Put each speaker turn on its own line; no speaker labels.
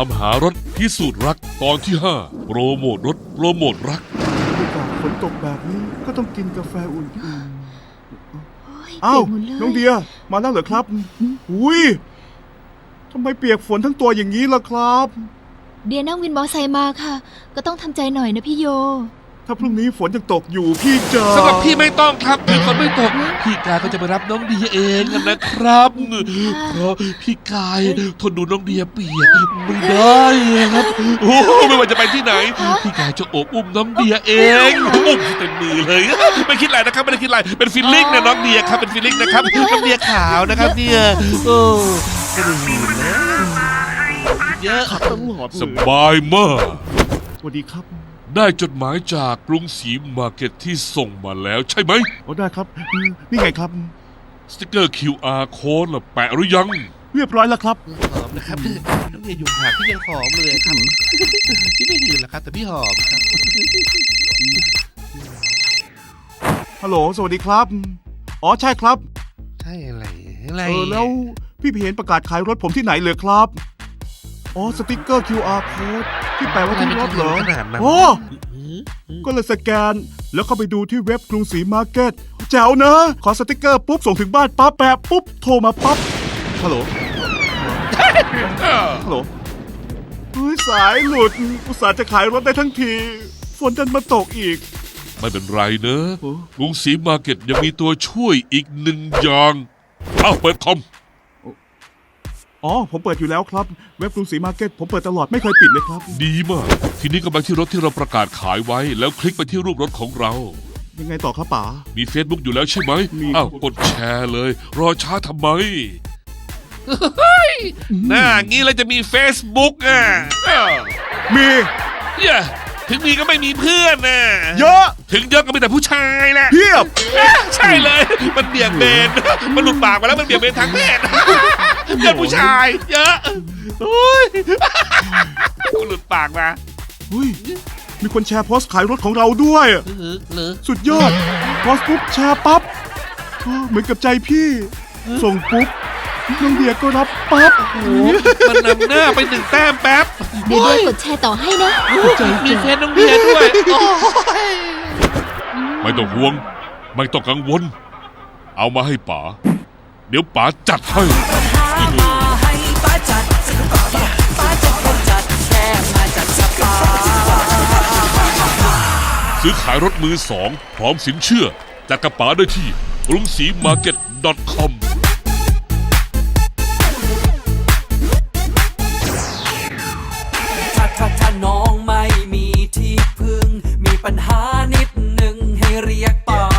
ามหารถพิสูจน์รักตอนที่ 5 โปรโมทรถโปรโมทรัก
อากาศฝนตกแบบนี้ก็ต้องกินกาแฟอุ่น
โอ้ย
ๆอ้าว
เปียกหมดเลย
น้องเดียมาแล้วเหรอครับอุ้ยทำไมเปียกฝนทั้งตัวอย่างนี้ล่ะครับ
เดียนั่งวินมอไซค์มาค่ะ ก็ต้องทำใจหน่อยนะพี่โย
ถ้าพรุ่งนี้ฝนยังตกอยู่พี่จะ
สำหรับพี่ไม่ต้องครับพี่ฝนไม่ตกพี่กายก็จะไปรับน้องเดียเองนะครับเพราะพี่กายทนดูน้องเดียเปียกไม่ได้ครับโอ้ไม่ว่าจะไปที่ไหนพี่กายจะโอบอุ้มน้องเดียเองอุ้มเต็มมือเลยไม่คิดอะไรนะครับไม่ได้คิดอะไรเป็นฟีลลิ่งนะน้องเดียครับเป็นฟีลลิ่งนะครับน้องเดียขาวนะครับเนี่ยโอ้ไม่ได้ยินนะเยอะ
ขับตลอดเลย
สบายมาก
สวัสดีครับ
ได้จดหมายจากกรุงศรีมาร์เก็ตที่ส่งมาแล้วใช่ไหม
โอ้ได้ครับนี่ไงครับ
สติกเกอร์ QR Code ล่ะแปะหรือยัง
เรียบร้อยแล้วครับ
หอมนะครับน้องเดียอยู่ห่างพี่ยังหอมเลยครับพี่ไม่ดื่มหรอกครับแต่พี่หอมครับ
ฮัลโหลสวัสดีครับอ๋อใช่ครับ
ใช่อะไรอะไร
แล้วพี่ไปเห็นประกาศขายรถผมที่ไหนเลยครับอ๋อสติกเกอร์ QR code ที่แปะไว้ที่รถเหรอ
ขนาดนั้น
โอ้ก็เลยสแกนแล้วเข้าไปดูที่เว็บกรุงศรีมาร์เก็ตแจ๋วนะ ขอสติกเกอร์ปุ๊บส่งถึงบ้านปั๊บแปะปุ๊บโทรมาปั๊บฮัลโหลฮัลโหลเฮ้ยสายหลุดอุตส่าห์จะขายรถได้ทั้งทีฝนดันมาตกอีก
ไม่เป็นไรเนอะ
โอ้
กรุงศรีมาร์เก็ตยังมีตัวช่วยอีกหนึ่งอย่างเอ้าเปิดคอม
อ๋อผมเปิดอยู่แล้วครับเว็บกรุงศรีมาร์เก็ตผมเปิดตลอดไม่เคยปิดเลยครับ
ดีมาก ทีนี้ก็ไปที่รถที่เราประกาศขายไว้ แล้วคลิกไปที่รูปรถของเรา
ยังไงต่อครับป๋า
มี Facebook อยู่แล้วใช่ไหม
มี
อ้าวกดแชร์เลย รอช้าทำไม หน้างี้เราจะมี Facebook อ่ะ
มี
เย้ถึงมีก็ไม่มีเพื่อนน่ะ
เยอะ
ถึงเยอะก็มีแต่ผู้ชายแหละ
เพียบ
ใช่เลย มันเบี่ยงเบน มันหลุดปากมาแล้วมันเบี่ยงเบนทางเพศเพื่อนผู้ชาย เยอะโอ้ยมันหลุดปากมา
อุ้ยมีคนแชร์โพสต์ขายรถของเราด้วย
หรือ
สุดยอดโพสต์ปุ๊บแชร์ปั๊บเหมือนกับใจพี่ ส่งปุ๊บน้องเดียก็รับปั๊บ
โอ้มันนำหน้าไปหนึ่งแต้มแป๊บ
เดี๋ยวด้วยกดแชร์ต่อให้นะ
มีเฟซน้องเดียด้วยโอ้ย
ไม่ต้องห่วง ไม่ต้องกังวล เอามาให้ป๋า เดี๋ยวป๋าจัดให้ ซื้อขายรถมือสองพร้อมสินเชื่อจากกระป๋าได้ที่กรุงศรีมาร์เก็ต .com
ถ้าน้องไม่มีที่พึ่ง มีปัญหานิดหนึ่งให้เรียกป๋า